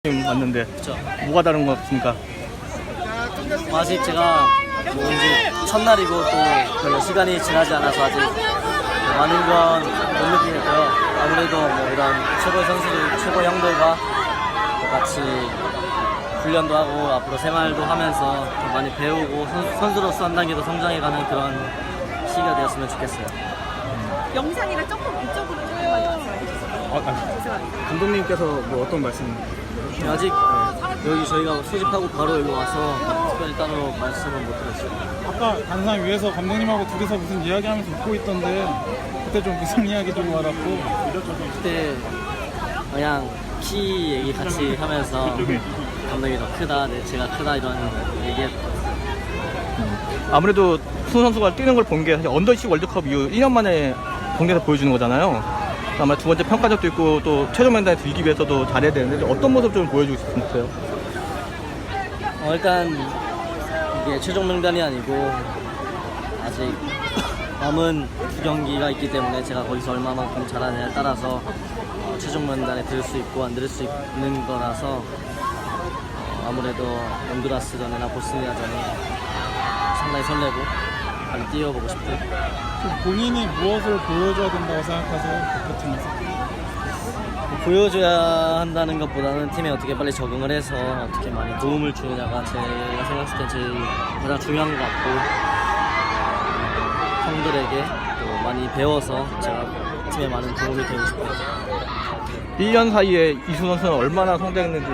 지금 왔는데 그쵸. 뭐가 다른 것 같습니까? 아직 제가 뭔지 첫날이고 또 별로 시간이 지나지 않아서 아직 많은 건 못 느끼겠고요. 아무래도 뭐 이런 최고의 선수들, 최고 형들과 같이 훈련도 하고 앞으로 생활도 하면서 더 많이 배우고 선수로서 한 단계 더 성장해가는 그런 시기가 되었으면 좋겠어요. 영상이랑 조금 이쪽으로 조금만 말씀해주세요. 감독님께서 뭐 어떤 말씀? 아직 여기 저희가 소집하고 바로 여기 와서 특별히 따로 말씀은 못 드렸어요. 아까 단상 위에서 감독님하고 둘이서 무슨 이야기하면서 웃고 있던데 그때 좀 무슨 이야기 좀 와닿고 그때 그냥 키 얘기 같이 하면서 감독이 더 크다, 제가 크다 이런 얘기했고 아무래도 손 선수가 뛰는 걸 본 게 사실 언더20 월드컵 이후 1년 만에 경기에서 보여주는 거잖아요. 아마 두 번째 평가전도 있고 또 최종 면단에 들기 위해서도 잘해야 되는데 어떤 모습 좀 보여주고 싶으세요? 일단 이게 최종 명단이 아니고 아직 남은 두 경기가 있기 때문에 제가 거기서 얼마만큼 잘하느냐에 따라서 최종 명단에 들 수 있고 안 들 수 있는 거라서 아무래도 온두라스전이나 보스니아전이 상당히 설레고 빨리 뛰어보고 싶고 본인이 무엇을 보여줘야 된다고 생각하세요? 그 팀에서? 보여줘야 한다는 것보다는 팀에 어떻게 빨리 적응을 해서 어떻게 많이 도움을 주느냐가 제가 생각했을 때 제일 가장 중요한 것 같고 형들에게 또 많이 배워서 제가 팀에 많은 도움이 되고 싶어요. 1년 사이에 이수 선수는 얼마나 성장했는지